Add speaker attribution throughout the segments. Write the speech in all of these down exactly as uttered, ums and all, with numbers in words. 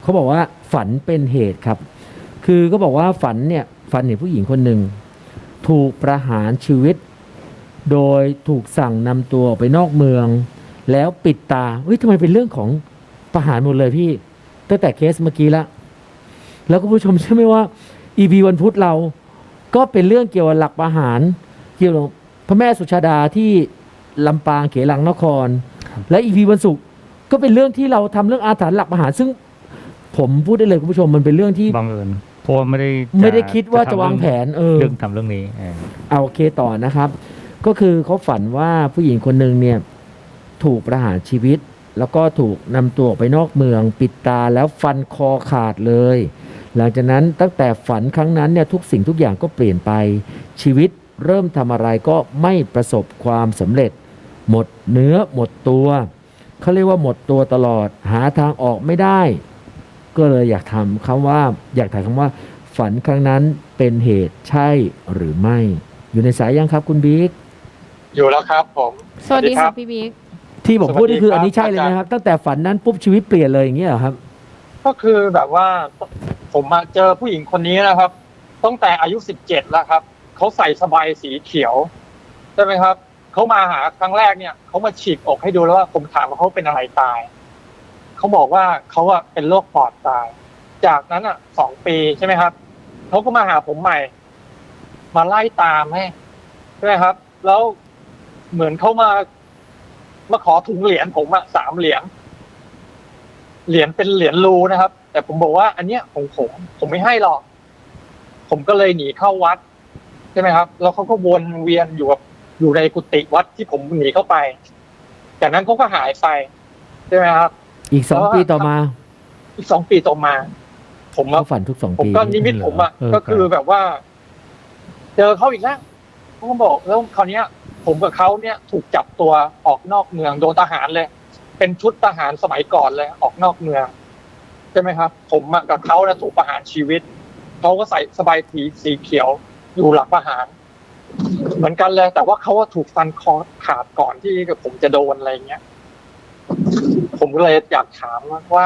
Speaker 1: เขาบอกว่าฝันเป็นเหตุครับคือก็บอกว่าฝันเนี่ยฝันเห็นผู้หญิงคนหนึ่งถูกประหารชีวิตโดยถูกสั่งนำตัวออกไปนอกเมืองแล้วปิดตาเฮ้ยทำไมเป็นเรื่องของประหารหมดเลยพี่ตั้งแต่เคสเมื่อกี้ละแล้วก็ผู้ชมเชื่อไหมว่า อี พี วันพุธเราก็เป็นเรื่องเกี่ยวกับหลักประหารเกี่ยวกับพระแม่สุชาดาที่ลำปางเขลังนครและ อี พี วันศุกร์ก็เป็นเรื่องที่เราทำเรื่องอาถรรพ์หลักประหารซึ่งผมพูดได้เลยคุณผู้ชมมันเป็นเรื่องที่
Speaker 2: บังเอิญเพราะไม่ได้
Speaker 1: ไม่ได้คิดว่าจะวางแผนเออ
Speaker 2: เรื่องทำเรื่องนี้
Speaker 1: เอาโอเคต่อนะครับก็คือเขาฝันว่าผู้หญิงคนหนึ่งเนี่ยถูกประหารชีวิตแล้วก็ถูกนำตัวออกไปนอกเมืองปิดตาแล้วฟันคอขาดเลยหลังจากนั้นตั้งแต่ฝันครั้งนั้นเนี่ยทุกสิ่งทุกอย่างก็เปลี่ยนไปชีวิตเริ่มทำอะไรก็ไม่ประสบความสำเร็จหมดเนื้อหมดตัวเขาเรียกว่าหมดตัวตลอดหาทางออกไม่ได้ก็เลยอยากถามคำว่าอยากถามคำว่าฝันครั้งนั้นเป็นเหตุใช่หรือไม่อยู่ในสายยังครับคุณบิ๊ก
Speaker 3: อยู่แล้วครับผม
Speaker 4: สวัสดีครับพี่บิ๊ก
Speaker 1: ที่ผมพูดนี่คืออันนี้ใช่เลยนะครับตั้งแต่ฝันนั้นปุ๊บชีวิตเปลี่ยนเลยอย่างเงี้ยเหรอครับ
Speaker 3: ก็คือแบบว่าผมมาเจอผู้หญิงคนนี้นะครับตั้งแต่อายุสิบเจ็ดแล้วครับเขาใส่สบายสีเขียวใช่ไหมครับเขามาหาครั้งแรกเนี่ยเขามาฉีกอกให้ดูแล้วว่าผมถามว่าเขาเป็นอะไรตายเขาบอกว่าเขาอะเป็นโรคปอดตายจากนั้นอะสองปีใช่ไหมครับเขาก็มาหาผมใหม่มาไล่ตามให้ใช่ไหมครับแล้วเหมือนเขามามาขอถุงเหรียญผมอะสามเหรียญเหรียญเป็นเหรียญรูนะครับแต่ผมบอกว่าอันเนี้ยของผมผมไม่ให้หรอกผมก็เลยหนีเข้าวัดใช่ไหมครับแล้วเขาก็วนเวียนอยู่กับอยู่ในกุฏิวัดที่ผมหนีเข้าไปจากนั้นเขาก็หายไปใช่ไหมครับ
Speaker 1: อีกสองปีต่อมา
Speaker 3: อีกสองปีต่อมาผม
Speaker 1: มาฝันทุกสองปี
Speaker 3: ผมก็นิมิตผมอะก็คือแบบว่าเจอเขาอีกแล้วเขาก็บอกแล้วคราวนี้ผมกับเขาเนี่ยถูกจับตัวออกนอกเมืองโดนทหารเลยเป็นชุดทหารสมัยก่อนเลยออกนอกเมืองใช่ไหมครับผมกับเขาเนี่ยถูกประหารชีวิตเขาก็ใส่สบายสีสีเขียวอยู่หลังประหารเหมือนกันเลยแต่ว่าเขาถูกฟันคอขาดก่อนที่ผมจะโดนอะไรเงี้ยผมก็เลยอยากถามว่า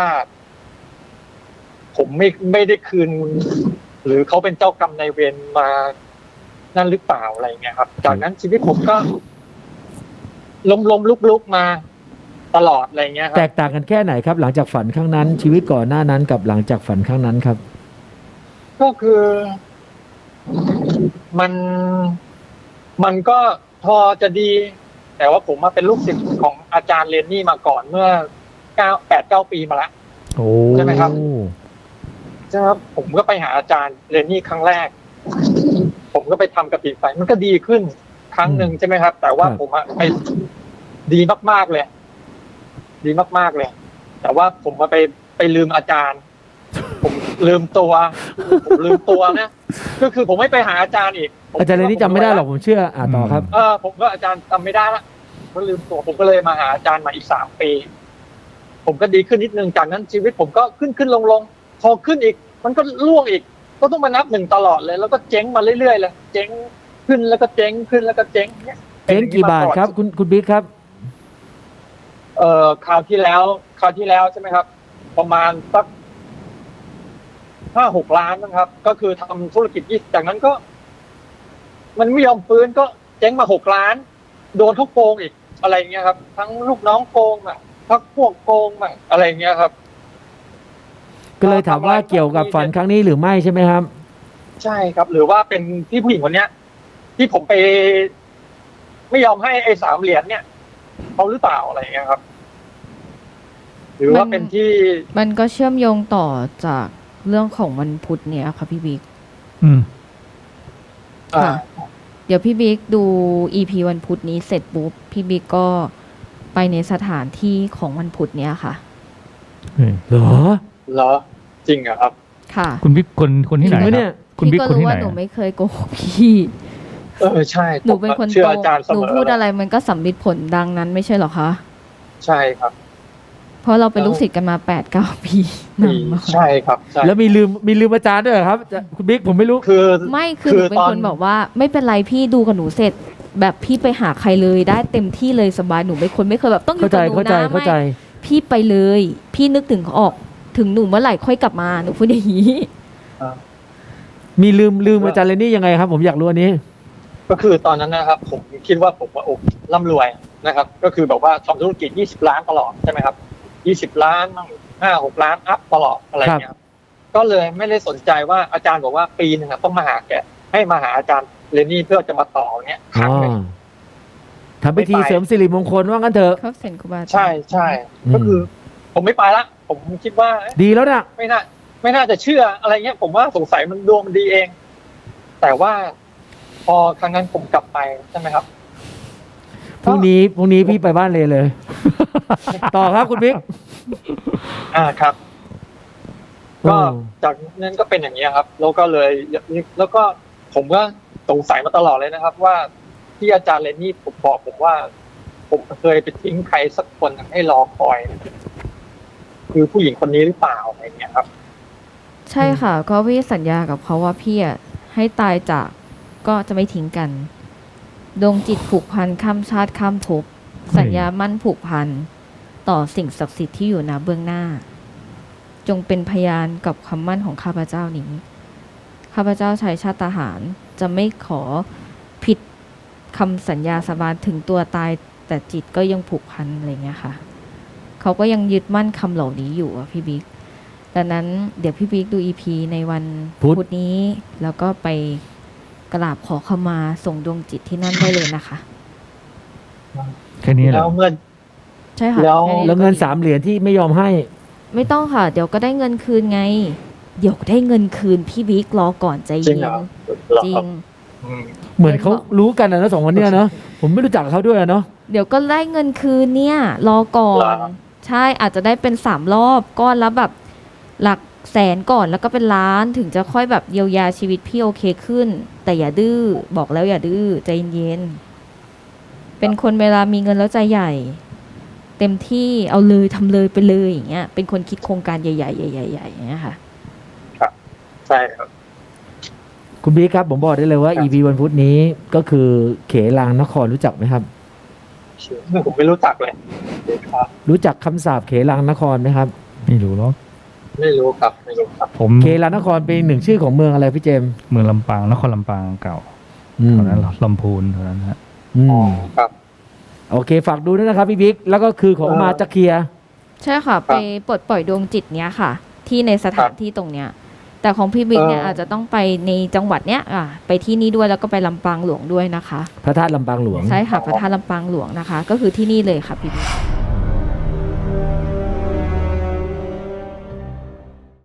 Speaker 3: ผมไม่ไม่ได้คืนหรือเขาเป็นเจ้ากรรมนายเวรมานั่นหรือเปล่าอะไรเงี้ยครับจากนั้นชีวิตผมก็ล้มล้มลุกลุกมาตลอดอะไรเงี้ยครับ
Speaker 1: แตกต่างกันแค่ไหนครับหลังจากฝันครั้งนั้นชีวิตก่อนหน้านั้นกับหลังจากฝันครั้งนั้นครับ
Speaker 3: ก็คือมันมันก็พอจะดีแต่ว่าผมมาเป็นลูกศิษย์ของอาจารย์เรนนี่มาก่อนเมื่อเก้าแปดเก้าปีมาแล้วใช่ไหมครับใช่ครับผมก็ไปหาอาจารย์เรนนี่ครั้งแรกผมก็ไปทำกระถิ่นไฟมันก็ดีขึ้นครั้งหนึ่งใช่ไหมครับแต่ว่าผมไปดีมากๆเลยดีมากๆเลยแต่ว่าผมมาไปไปลืมอาจารย์ผมลืมตัวผมลืมตัวนะก็คือผมไม่ไปหาอาจารย์อีก
Speaker 1: อาจารย์เรนนี่จำไม่ได้หรอกผมเชื่ออ่าต่อครับ
Speaker 3: เออผมก็อาจารย์จำไม่ได้ละก็ลืมตัวผมก็เลยมาหาอาจารย์มาอีกสามปีผมก็ดีขึ้นนิดนึงจากนั้นชีวิตผมก็ขึ้นขึ้นลงลงพอขึ้นอีกมันก็ล่วงอีกก็ต้องมานับหนึ่งตลอดเลยแล้วก็เจ๊งมาเรื่อยๆเลยเจ๊งขึ้นแล้วก็เจ๊งขึ้นแล้วก็เจ๊งเนี่ย
Speaker 1: เจ๊งกี่บาทครับคุณคุณบิ๊กครับ
Speaker 3: เอ่อคราวที่แล้วคราวที่แล้วใช่ไหมครับประมาณสักห้าหกล้านนะครับก็คือทำธุรกิจยี่จากนั้นก็มันไม่ยอมฟื้นก็เจ๊งมาหกล้านโดนเขาโกงอีกอะไรเงี้ยครับทั้งลูกน้องโกงอ่ะทั้งพวกโกงอ่ะอะไรเงี้ยครับ
Speaker 1: ก็เลยถามว่าเกี่ยวกับฝันครั้งนี้หรือไม่ใช่ไหมครับ
Speaker 3: ใช่ครับหรือว่าเป็นที่ผู้หญิงคนเนี้ยที่ผมไปไม่ยอมให้ไอ้สามเหรียญเนี่ยเขาหรือเปล่าอะไรเงี้ยครับหรือว่าเป็นที่
Speaker 4: มันก็เชื่อมโยงต่อจากเรื่องของวันพุธเนี้ยค่ะพี่บิ๊ก
Speaker 1: อืม
Speaker 4: ค่ะเดี๋ยวพี่บิ๊กดู อี พี วันพุธนี้เสร็จปุ๊บพี่บิ๊กก็ไปในสถานที่ของวันพุธเนี้ยค่ะ
Speaker 1: เหรอ
Speaker 3: เหรอจริงเหรอครับ
Speaker 4: ค่ะ
Speaker 2: คุณบิ๊กคนคนที่ไหนเนี่ย
Speaker 4: คุณบิ๊กคนที่ไหนหนูไม่เคยโกหกพี่
Speaker 3: เออใช่
Speaker 4: หนูเป็นคนตรงหนูพูดอะไรมันก็สำลิดผลดังนั้นไม่ใช่หรอคะ
Speaker 3: ใช่ครับ
Speaker 4: เพราะเราเป็นลูกศิษย์กันมาแปดเก้าปี
Speaker 3: ใช่ครับ
Speaker 1: แล้วมีลืมมีลืมอาจารย์ด้วยครับคุณบิ๊กผมไม่รู้
Speaker 3: คือ
Speaker 4: ไม่คือหนูเป็นคนบอกว่าไม่เป็นไรพี่ดูกับหนูเสร็จแบบพี่ไปหาใครเลยได้เต็มที่เลยสบายหนูไม่คนไม่เคยแบบต้องอยู่กับหนูนะไม่พี่ไปเลยพี่นึกถึงออกถึงหนูเมื่อไหร่ค่อยกลับมาหนูพูดอย่างนี้
Speaker 1: มีลืมลืมอาจารย์เรนนี่ยังไงครับ ผมอยากรู้อันนี้
Speaker 3: ก็คือตอนนั้นนะครับ ผมคิดว่าผมว่าโอ้ร่ำรวยนะครับ ก็คือแบบว่าทำธุรกิจยี่สิบล้านตลอดใช่ไหมครับยี่สิบล้านมั่งห้าหกล้านอัพตลอดอะไรเงี้ยครับก็เลยไม่ได้สนใจว่าอาจารย์บอกว่าปีหนึ่งอะต้องมาหาแกให้มาหาอาจารย์เรนนี่เพื่อจะมาต่อเนี้ยครั้งหนึ่ง
Speaker 1: ทำพิธีเสริมสิริมงคลว่างั้นเถอะ
Speaker 4: ครับเซนครูบาอาจารย์
Speaker 3: ใช่ใช่ก็คือ ผมไม่ไปละผมคิดว่าเอ๊ะ
Speaker 1: ดีแล้วนะ
Speaker 3: ไม่น่าไม่น่าจะเชื่ออะไรเงี้ยผมว่าสงสัยมันดวงมันดีเอง แต่ว่าพอครั้งนั้นผมกลับไปใช่ไหมครับ
Speaker 1: พรุ่งนี้พรุ่งนี้พี่ไปบ้านเลยเลย ต่อครับคุณบิ๊ก
Speaker 3: อ่าครับ ก็
Speaker 1: อืม
Speaker 3: จากนั้นก็เป็นอย่างนี้ยครับ แล้วก็เลยแล้วก็ผมก็สงสัยมาตลอดเลยนะครับ ว่าที่อาจารย์เรนนี่ผมบอกผมว่า ผมเคยไปทิ้งใครสักคนให้รอคอย คือผู้หญิงคนนี้หรือเปล่าอะไรเงี้ยครับ
Speaker 4: ใช่ค่ะ ก็พี่สัญญากับเขาว่าพี่อะให้ตายจากก็จะไม่ทิ้งกัน ดวงจิตผูกพันข้ามชาติข้ามภพสัญญามั่นผูกพันต่อสิ่งศักดิ์สิทธิ์ที่อยู่ณเบื้องหน้า จงเป็นพยานกับคำมั่นของข้าพเจ้านี้ ข้าพเจ้าชายชาติทหารจะไม่ขอผิดคำสัญญาสาบานถึงตัวตายแต่จิตก็ยังผูกพันอะไรเงี้ยค่ะ เขาก็ยังยึดมั่นคำเหล่านี้อยู่อะพี่บิ๊กดังนั้นเดี๋ยวพี่บิ๊กดู อี พี ในวัน
Speaker 1: พุธ
Speaker 4: พุธนี้ แล้วก็ไปกราบขอขมาส่งดวงจิตที่นั่นได้เลยนะคะ
Speaker 2: แค่นี้แห
Speaker 3: แล้
Speaker 2: ละ
Speaker 3: วเมื่อ
Speaker 4: ใช่ค่ะ
Speaker 3: แล้ว
Speaker 4: ค่นี้
Speaker 1: แล้วเงินสามเหรียญที่ไม่ยอมให้
Speaker 4: ไม่ต้องค่ะ เดี๋ยวก็ได้เงินคืนไง เดี๋ยวได้เงินคืนพี่บิ๊กรอก่อนใจ
Speaker 3: จริง
Speaker 4: เย็
Speaker 3: เหร
Speaker 4: น
Speaker 3: อ
Speaker 4: จริง
Speaker 3: อืม
Speaker 1: เหมือนเขารู้กันนะสองคนเนี้ยเนาะผมไม่รู้จักเขาด้วยอะเนาะ
Speaker 4: เดี๋ยวก็ได้เงินคืนเนี่ย รอก่อน ใช่อาจจะได้เป็นสามรอบก้อนละแบบหลักแสนก่อนแล้วก็เป็นล้านถึงจะค่อยแบบเยียวยาชีวิตพี่โอเคขึ้น แต่อย่าดื้อบอกแล้วอย่าดื้อใจเย็นๆเป็นคนเวลามีเงินแล้วใจใหญ่ เต็มที่เอาเลยทำเลยไปเลยอย่างเงี้ยเป็นคนคิดโครงการใหญ่ๆใหญ่ๆใหญ่ๆอย่างเงี้ยค่ะ
Speaker 3: ใช่ครับ
Speaker 1: คุณบิ๊กครับผมบอกได้เลยว่า
Speaker 3: ครับ
Speaker 1: อี พี วันพุธนี้ก็คือเขลางนครรู้จักไหมครับ
Speaker 3: ผมไม่รู้จักเลยครับ
Speaker 1: รู้จักคำสาปเขลางนครไหมครับ
Speaker 2: ไม่รู้หรอก
Speaker 3: ไม่รู้ครับไม่รู้ครับ
Speaker 2: ผม
Speaker 1: เขลางนครเป็นหนึ่งชื่อของเมืองอะไรพี่เจมส์
Speaker 2: เมืองลำปางนครลำปางเก่า
Speaker 1: อืม
Speaker 2: แถวนั้นลำพูนแถวนั้นฮะ
Speaker 1: อื
Speaker 3: อ๋อ
Speaker 1: ม
Speaker 3: ครับ
Speaker 1: โอเคฝากดูด้วยนะครับพี่บิ๊กแล้วก็คือของ
Speaker 3: เออ
Speaker 1: มาจะเคลียร์
Speaker 4: ใช่ค่ะ ไปปลดปล่อยดวงจิตเนี้ยค่ะ ที่ในสถานที่ตรงเนี้ย แต่ของพี่บิ๊กเนี่ย
Speaker 3: เอออ
Speaker 4: อาจจะต้องไปในจังหวัดเนี้ยอ่ะไปที่นี่ด้วยแล้วก็ไปลำปางหลวงด้วยนะคะ
Speaker 1: พระธาตุลำปางหลวง
Speaker 4: ใช่ค่ะพระธาตุลำปางหลวงนะคะ ก็คือที่นี่เลยค่ะพี่บิ๊ก